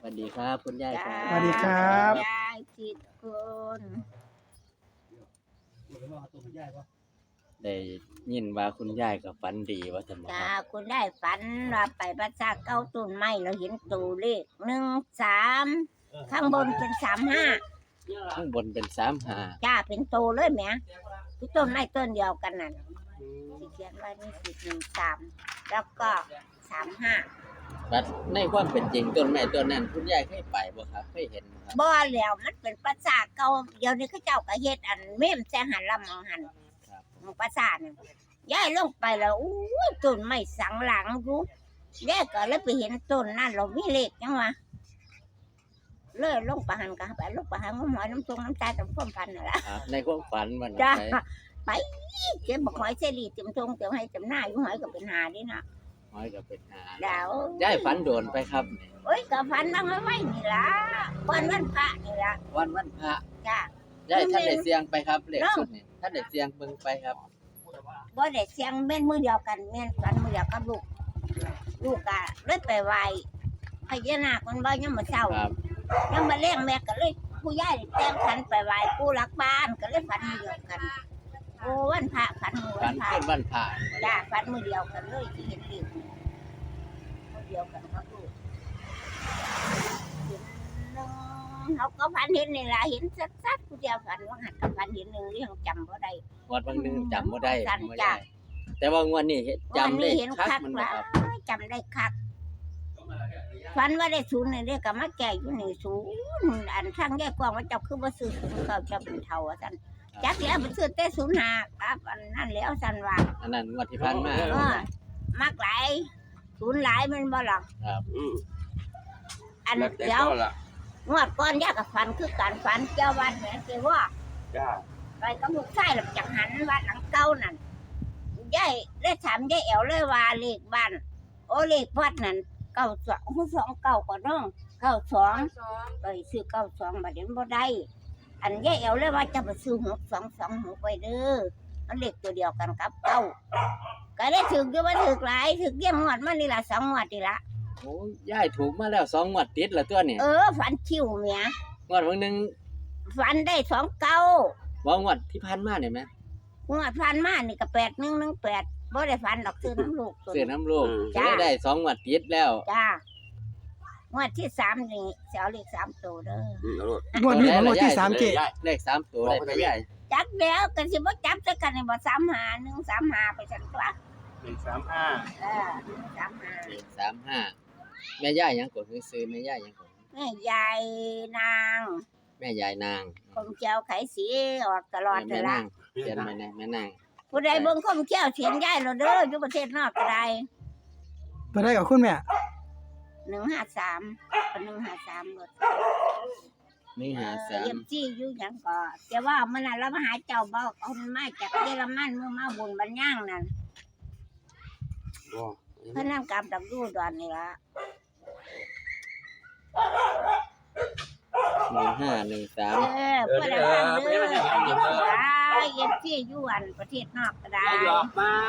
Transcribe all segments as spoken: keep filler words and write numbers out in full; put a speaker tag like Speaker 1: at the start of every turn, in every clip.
Speaker 1: สวัสดีครับคุณยายครั
Speaker 2: สวัสดี
Speaker 1: บ
Speaker 2: ครับ
Speaker 3: ยายจิตคุณ
Speaker 1: ได้ยินว่าคุณยายกับฝันดีว่าจะมาค
Speaker 3: จ้า
Speaker 1: รับ
Speaker 3: คุณได้ฝันว่าไปพระชาเก้าต้นไม้เราเห็นตัวเลขหนึ่งสามข้างบนเป็นสามห้า
Speaker 1: ข้างบนเป็นสามหา
Speaker 3: จ้าเป็นโตเลยแหมที่ต้นไม้ต้นเดียวกันนั่นที่เขียนไว้นี่สิหนึ่งสามแล้วก็สามห้า
Speaker 1: บัดในความเป็นจริงต้นไม้ต้นนั้นคุณยายเคยไปบ่ครับเคยเห็นบ่ครับ
Speaker 3: บ่แล้วมันเป็นภาษาเก่าเดี๋ยวนี้เขาเจ้าก็เฮ็ดอันเมมแซหันลำเอาหัน
Speaker 1: ครับ
Speaker 3: ของภาษาเนี่ยย้ายลงไปแล้วอู้ยต้นไม้สังหลังอยู่แยกก็เลยไปเห็นต้นนั่นเรามีเลขจังวะเลยลงไปหันกันไปลงไปหันก็หมอยน้ำทรงน้ำตาจำพ่อมพันนั่นแหละ
Speaker 1: ครับในความฝันมัน
Speaker 3: จ้า
Speaker 1: ไป
Speaker 3: ไปเจ็บบอกหอยเสรีเต็มทรงเต็มให้เต็มหน้าอยู่หอยก็เป็นหาดินะ
Speaker 1: น้อยก็เป็นหา
Speaker 3: ดาวย
Speaker 1: ายฝันโดนไปครับ
Speaker 3: โอ้ยก็ฟันบ้างไว้นี่ล่ะวันวันพระนี่ล่ะ
Speaker 1: วันวันพระ
Speaker 3: จ้าย
Speaker 1: ายท่านได้เสียงไปครับเลขสุดนี่ท่านได้เสียงเบิ่งไปครับ
Speaker 3: บ่ได้เสียงแม่นมือเดียวกันแม่นกันมือเดียวกับลูกลูกก็เลยไปไหว้พญานาคมันบ่ยังมาเช้า
Speaker 1: ครับ
Speaker 3: ยังมาเลี้ยงแม่ก็เลยผู้ใหญ่แต่งขันไปไหว้ผู้รักบ้านก็เลยฝันมือเดียวกันโอ้วันพระฝันมือ
Speaker 1: ฝั
Speaker 3: วัน นพระ
Speaker 1: ขึ้นวันพระ
Speaker 3: จ้าฝันมือเดียวกันเลยที่เห็นเลขมือเดียวกันครับลูกเห็นหนึ่งเขาก็ฝันเห็นนี่ล่ะเห็นชัดๆผู้เดียวกันว่าหันกับฝันเห็นหนึ่งเรื่องจำบ่ได้
Speaker 1: งวดบางหนึงจำบ่ได้
Speaker 3: สั่น
Speaker 1: บ่
Speaker 3: จ้ะ
Speaker 1: ได้แต่ว่างวดนี้เห็น
Speaker 3: วัน
Speaker 1: จำได้
Speaker 3: นี้เห็น
Speaker 1: คัก
Speaker 3: คัก
Speaker 1: มัน
Speaker 3: ห
Speaker 1: บ่
Speaker 3: ลา
Speaker 1: ครับ
Speaker 3: ยจำได้คักฝันว่าได้ศูนย์นี่เรียกกับมาแก่อยู่นี่ศูนย์อันช่างแยกกว้างว่าเจ้าคือบ่ซื้อศูนย์เขาจะเป็นเท่าว่าซั่นจักแล้วไปซื้อแต่ศูนย์ห้าครับอันนั้นแล้วซั่นว่า
Speaker 1: อันนั้นงวดที่ผ่านมา
Speaker 3: เออมักหลายศูนย์หลายมันบ่ล่ะ
Speaker 1: ครับ
Speaker 2: อืม
Speaker 3: อัน
Speaker 2: แล้วแต่
Speaker 3: เดี๋ยว
Speaker 2: ก็ล่ะ
Speaker 3: งวดก่อนยากกับฝันคือการฝันเจ้าวัดแหม่สิว่า
Speaker 2: จ้า
Speaker 3: ไปกับลูกชายหลังจากหันวัดหลังเก่านั่นยายได้ถามยายแอ๋วเลยว่าเลขบ้านโอเลขวัดนั่นเก้าสองสองเก้าก็น้องเก้าสองไปซื้อเก้าสองบัดนี้บ่ได้อันยายแอ๋วเลยว่าจะไปซื้อหกสองสองหกไปเด้อมันเลขตัวเดียวกันกับเก้าก็ได้ถึกอยู่ว่าถึกหลายถึกเยี่ยมงวดมานี่ละสองงวดนี่ละ
Speaker 1: โอ้ยายถูกมาแล้วสองงวดติดแล้วตัวนี่
Speaker 3: เออฝันคิวเมีย
Speaker 1: งวดวันหนึง
Speaker 3: ฝันได้สองเก้า
Speaker 1: ว่างวดที่ผ่านมาเนี่ยไหม
Speaker 3: งวดพันมานี่ก็แปดหนึ่งหนึ่งแปดบ่ได้ฝันดอกซื้อน้ำลูกตัว
Speaker 1: เสือน้ำลูก
Speaker 3: จ้า
Speaker 1: ได้ได้สองงวดติดแล้ว
Speaker 3: จ้างวดที่สามนี่เสียวเลขสามตัวเด้อ
Speaker 2: อืมเอาโลด
Speaker 4: งวดนี้ของงวดที่สามเจ
Speaker 1: เลขสามตัวได้ไปใหญ่
Speaker 3: จับแล้วกันสิบ่จับจะกันในบ่สามหาหนึ่งสามหาไปสันตัว
Speaker 2: หนึ่งสามห้า
Speaker 3: เออหนึ่งสามหา
Speaker 1: เลขสามห้าแม่ย่ายังกดซื้อแม่ย่ายังกด
Speaker 3: แม่ยายนาง
Speaker 1: แม่ยายนาง
Speaker 3: คมเจียวไขสีออกตลอด
Speaker 1: แม่
Speaker 3: เวลา
Speaker 1: นางเขียนแม่นางแม่นาง
Speaker 3: ผู้ใดเบิ่งคมเจียวเสียงยายเราเด้ออยู่ประเทศนอกก็ได้
Speaker 4: ตัวได้กับคุณแม่
Speaker 3: หนึ่งห้าสามหนึ่งห้าสามหมด
Speaker 1: นี่หาสา
Speaker 3: เยี่ย
Speaker 1: ม
Speaker 3: มจี้อยู่หยังก็แต่ว่ามันน่ะเรามาหาเจ้าบ่เอามาจากเยอรมันเมื่อมาบุญบัญญังนั่น
Speaker 2: โอ้
Speaker 3: เพิ่นนำกำดักอยู่ดอนนี่ล่ะ
Speaker 1: หนึ่งห้าหนึ่งสาม
Speaker 3: เออเพื่อนบ้านเด้อเยี่ยมจี้ได้เยี่ยมจี้อยู่อันประเทศนอกก็ได้
Speaker 2: หยอกบ้าน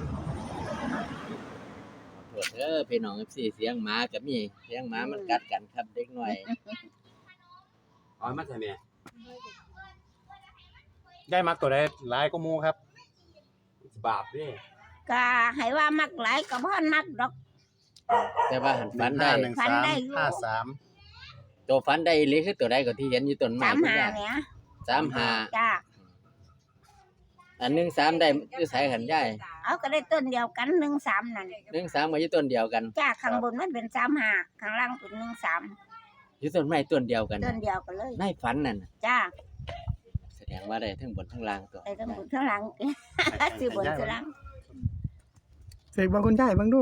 Speaker 1: ขอโทษเด้อพี่น้อง เอฟ ซี เสียงหมาก็มีเสียงหมามันกัดกันครับเด็กน้อย
Speaker 2: เอามาใส่แม่
Speaker 5: ได้มักตัวได้หลายก็มูครับ
Speaker 2: บาปเด้
Speaker 3: ก็ให้ว่ามักหลายก็บ่นักดอก
Speaker 1: แต่ว่าหันฝันได้
Speaker 5: หนึ่ง
Speaker 3: ฝัน
Speaker 5: สาม
Speaker 3: ได้อยู่
Speaker 5: ห้าสาม
Speaker 1: ตัวฝันได้อีหรือคือตัวใดก็ที่เห็นอยู่ต้นไม้
Speaker 3: สาม
Speaker 1: คุณ
Speaker 3: หาย
Speaker 1: าย
Speaker 3: เนี่ย
Speaker 1: สามห้า
Speaker 3: จ้า
Speaker 1: อันหนึ่งสามได้อยู่ไสขันยาย
Speaker 3: เอาก็ได้ต้นเดียวกันหนึ่งสามนั่น
Speaker 1: หนึ่งสามก็อยู่ต้นเดียวกัน
Speaker 3: จ้าข้างบนมันเป็นสามห้าข้างล่างเป็นหนึ่งสาม
Speaker 1: อยู่ต้นไม้ต้นเดียวกัน
Speaker 3: ต้นเดียวกันเลย
Speaker 1: ในฝันนั่นน่ะ
Speaker 3: จ้า
Speaker 1: แสดงว่าได้ทั้งบนทั้งล่างตัว
Speaker 3: ไอ้ทั้งบนทั้งหลัง สิบนทั้งหลัง
Speaker 4: เสกบอกคุณยายบ้างดู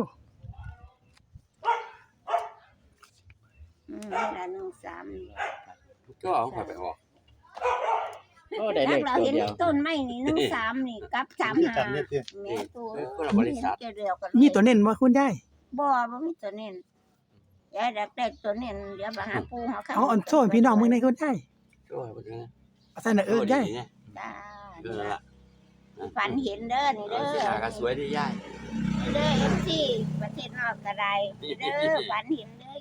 Speaker 3: อืมนี่ละหนึ่งสาม
Speaker 2: ก็เอาเข้าไปออก
Speaker 1: ก็ได้เล
Speaker 3: แล้ว
Speaker 1: ข
Speaker 3: เรา
Speaker 1: ตัว
Speaker 3: เห็น
Speaker 1: เดียว
Speaker 3: ต้นไม้นี่หนึ่งสามนี่กับสามห้าแม่ตัว
Speaker 2: เออคนละบริษัท
Speaker 3: เห็นเดียวกัน
Speaker 4: นี่ตัวเน้นว่าคุณยาย
Speaker 3: บ่บ่มีตัวเน้นยายดักได้ตัวเน้นเดี๋ยวมาหาปูหาข้าว
Speaker 4: เอาอ่อนโซ่ให้พี่น้องมึงในคุณยาย
Speaker 2: ก็เอาไปนะ
Speaker 4: เอาใส่หน้าเอิ้นยาย
Speaker 2: เนี่ย
Speaker 3: ได้
Speaker 2: เออละ
Speaker 3: ฝันเห็นเด้อนี่
Speaker 2: เอ
Speaker 3: เด้
Speaker 2: อ
Speaker 3: อ
Speaker 2: เสียหาก็สวยดีย่าย
Speaker 3: เด้อเอ็มซีประเทศนอกก็ได้เด้อฝันเห็นเด้อ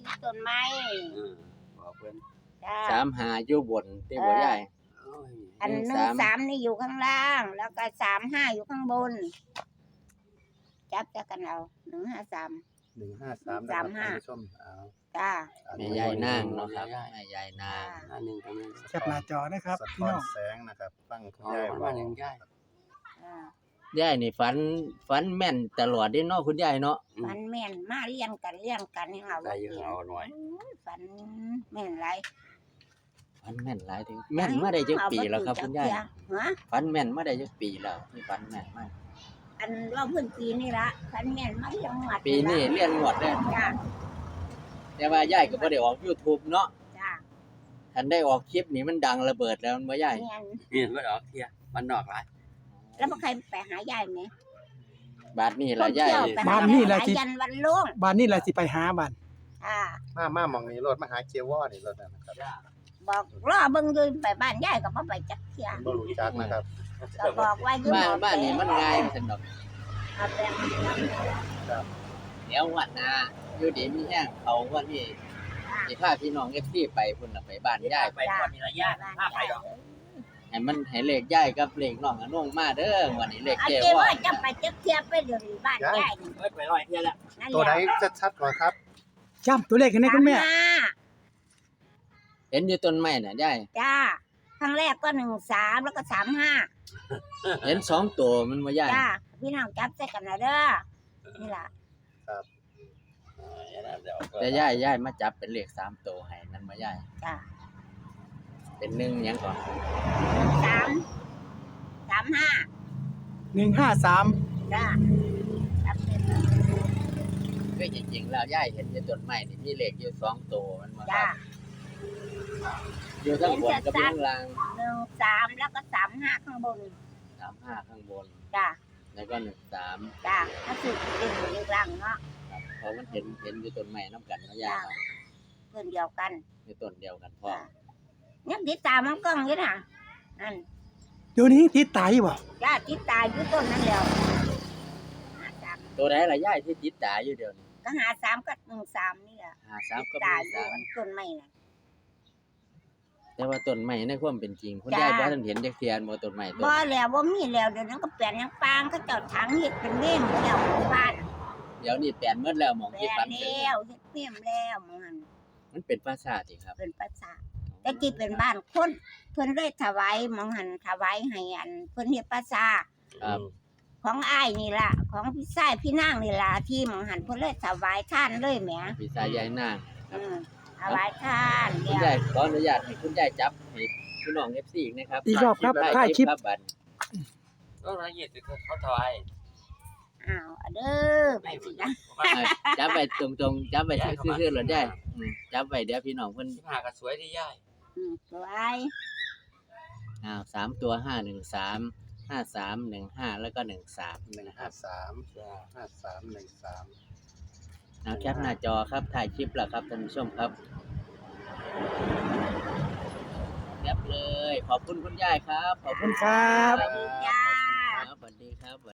Speaker 3: ที่ต้นไม้
Speaker 2: เออบอกเพิ่น
Speaker 3: จ้า
Speaker 1: สามหาอยู่บนที่บ่ใหญ่
Speaker 2: โอ้ย
Speaker 3: อันห
Speaker 1: หนึ่
Speaker 3: นึ่
Speaker 1: ง
Speaker 3: ง
Speaker 1: สาม
Speaker 3: สามนี่อยู่ข้างล่าง แล้วก็สามห้าอยู่ข้างบน จับจะกันเอาหนึ่งห้าสาม
Speaker 5: หนึ่งห้าสามนะครับ
Speaker 3: สามห้า
Speaker 5: ท่านผู้ชมเอา
Speaker 3: จ้า
Speaker 1: แม่ยายนางเนาะครับแม่ยายนาง
Speaker 2: หน้าหนึ่งก็มี
Speaker 4: แคปหน้าจอนะครับ
Speaker 5: สะ
Speaker 4: พี่
Speaker 5: ท้อ
Speaker 4: น้
Speaker 5: น
Speaker 4: อง
Speaker 5: แสงนะครับฟังคุณ
Speaker 2: อ๋อย
Speaker 5: าย
Speaker 2: มา
Speaker 5: เว้า
Speaker 2: หนึ่งยาย
Speaker 3: อ่า
Speaker 1: ยายนี่ฝันฝันแม่นตลอดเด้เนาะคุณยายเนาะ
Speaker 3: ฝันแม่นมาเลี้ยงกันเลี้ยงกันยังเอา
Speaker 2: ได้อยู่เอาหน่อย
Speaker 3: ฝันแม่นไร
Speaker 1: ฝันแม่นหลายถึงแม่นมาได้จักปีแล้วครับคุณยาย
Speaker 3: ฮะ
Speaker 1: ฝันแม่นมาได้จักปีแล้วที่ฝันแม่นมา
Speaker 3: อันว่าเพิ่นปีนี่ละฝันแม่นมาเลี้ยงหวัด
Speaker 1: ปีนี้เรียนงวดแล้ว
Speaker 3: จ้า
Speaker 1: แต่ว่ายายก็บ่ได้ออก YouTube เนาะ
Speaker 3: จ้า
Speaker 1: คันได้ออกคลิปนี่มันดังระเบิดแล้วมันบ่ยาย
Speaker 3: แม่น
Speaker 2: เห็นบ่ดอกเที่ยมันนอกหลาย
Speaker 3: แล้วบ่ใครไปหายายไหม
Speaker 1: บาดนี้ล่ะยาย
Speaker 3: เที่วไปหยายยันวันโล่ง
Speaker 4: บ้านนี้แหละสิไปหาบ้าน
Speaker 3: อ่า
Speaker 5: มามาหมองนี้รถมาหาเกียร์วอนี่รถนะครับ
Speaker 3: บอกรอเบิ่งอยู่ไปบ้านยายก็บ่ไปจักเที่ย
Speaker 5: บ่รู้จักนะครับ
Speaker 3: ก็บอกว่าอยู่
Speaker 1: บ้าน
Speaker 3: หม้อ
Speaker 1: บ้านนี่มันง่ายซั่นดอก
Speaker 3: เอาแปลง
Speaker 1: เดี๋ยววันหน้าอยู่ดีมีแห้งเขาวันนี้สิพาพี่น้อง เอฟ ซี ไปพุ่นน่ะไปบ้านยาย
Speaker 3: ไปก่อนนี่ละยายพาไปดอก
Speaker 1: ให้มันให้เลขยายกับเลขน้องอนงมาเด้อวันนี้เลข
Speaker 3: เอา
Speaker 1: เจ้
Speaker 3: เจ้
Speaker 1: ว่า
Speaker 3: ว่าจะไปจักเที่ยไปเดี๋ยวนี้บ้านยายนี่
Speaker 2: เอ้ยไปร้อยเที่ยแล้ว
Speaker 3: นั่น
Speaker 5: ตัวไหน
Speaker 3: แหละ
Speaker 5: ชัดๆกว่าครับ
Speaker 4: จำตัวเลขกันได้คุณแม่
Speaker 3: สาห้า
Speaker 1: เห็นอยู่ต้นไม้น่ะยาย
Speaker 3: จ้าครั้งแรกก็หนึ่งสามแล้วก็สามห้า
Speaker 1: เห็นสองตัวมันบ่ยาย
Speaker 3: จ้าพี่น้องจับใส่กันนะเด้อนี่ล่ะ
Speaker 1: แต่ยายยายมาจับเป็นเลขสามตัวให้นั่นบ่ยาย
Speaker 3: จ้า
Speaker 1: เป็นหนึ่งหยังก่อน
Speaker 3: สามสามห้า
Speaker 4: หนึ่งห้าสาม
Speaker 3: จ้าจับเสร็จ
Speaker 1: คือจริงๆแล้วยายเห็นอยู่ต้นไม้นี่มีเลขอยู่สองตัวมันบ่ค
Speaker 3: จ้า
Speaker 1: รับอยู่ทั้งบนกับอยู่ข้างล่าง
Speaker 3: หนึ่งสามแล้วก็สามห้าข้างบน
Speaker 1: สามห้าข้างบน
Speaker 3: จ้า
Speaker 1: แล้วก็หนึ่งสาม
Speaker 3: จ้าถ้าสุดเด่นอยู่กลางเนาะ
Speaker 1: ครับเพราะมันเห็นเห็นอยู่ต้นไม้น้ำกันเนาะยายเนาะ
Speaker 3: เพื่อนเดียวกัน
Speaker 1: อยู่ต้นเดียวกันพ่อ
Speaker 3: จ้ายังติดตามมันกล้องอยู่นะนั่น
Speaker 4: เดี๋ยวนี้ติดตายบ่
Speaker 3: จ้าติดตามอยู่ต้นนั่นแล้วหาสาม
Speaker 1: ตัวไหนล่ะยายที่ติดตาอยู่เดี๋ยวนี้
Speaker 3: ก็หาสามก็หนึ่งสามนี่แหละ
Speaker 1: หาสาม
Speaker 3: ติ
Speaker 1: ก็
Speaker 3: ดตา
Speaker 1: มี
Speaker 3: อยู่
Speaker 1: สาม
Speaker 3: อันต้นไม้น่ะ
Speaker 1: แต่ว่าต้นไม้ในความเป็นจริงคุณ
Speaker 3: จ้า
Speaker 1: ยายบ่ทันเห็นจักเทียนบ่ต้นไม้ต้น
Speaker 3: บ่แล้วบ่มีแล้วเดี๋ยวนั้นก็เปลี่ยนยังปางเขาเจ้าถังเฮ็ดเป็นเม่มแล้วหมู่บ้าน
Speaker 1: เดี๋ยวนี้แปลนหมดแล้วหมอง
Speaker 3: แปล
Speaker 1: ที่
Speaker 3: น
Speaker 1: ฝันถึง
Speaker 3: แล้วเฮ็ดเม่มแล้วหมัน
Speaker 1: มันเป็นปราสาทสิครับ
Speaker 3: เป็นประสาทแต่กี้เป็นบ้านคนเพิ่นเลยถวายหมองหันถวายให้อันเพิ่นเฮ็ดประสาท
Speaker 1: ครับ
Speaker 3: ของอ้ายนี่ล่ะของพี่ชายพี่นางนี่ล่ะที่หมองหันเพิ่นเลยถวายท่านเลยแหม
Speaker 1: พี่สายยายนาง
Speaker 3: อืมถวายท่าน
Speaker 1: คุณ
Speaker 3: เดี๋ย
Speaker 1: ยายว ขออนุญาตให้คุณยายจับให้พี่น้อง เอฟ ซี อีกนะครับ
Speaker 4: อีกรอบครับ
Speaker 1: ถ่า
Speaker 4: ถ่าย ย
Speaker 1: ค
Speaker 4: ค
Speaker 1: ลิ
Speaker 4: ลิ
Speaker 1: ป
Speaker 4: ป
Speaker 1: ครับบัด
Speaker 2: ก็ละเอียดคือเขาถวาย
Speaker 3: อ้าวเอาเด้อไปสินะ
Speaker 1: อ่าจับไปตรงๆจับไปซื่อๆหลดยายอืมจับไปเดี๋ยวพี่น้องเพิ่น
Speaker 2: สิบห้าก็สวยดียาย
Speaker 3: อืมสวย
Speaker 1: อ้าวสามตัวห้าหนึ่งสามห้าสามหนึ่งห้าแล้วก็หนึ่งสาม
Speaker 5: หนึ่ง
Speaker 1: นะค
Speaker 5: ห้า
Speaker 1: รับ
Speaker 5: สามห้าสามหนึ่งสาม
Speaker 1: เอาแคปหน้าจอครับถ่ายคลิปแล้วครับท่านผู้ชมครับแคปเลย ขอบคุณคุณยายครับ ขอบ
Speaker 4: ขอบ
Speaker 1: คุ
Speaker 4: คุณ ณครับ
Speaker 3: สวัสดีจ้า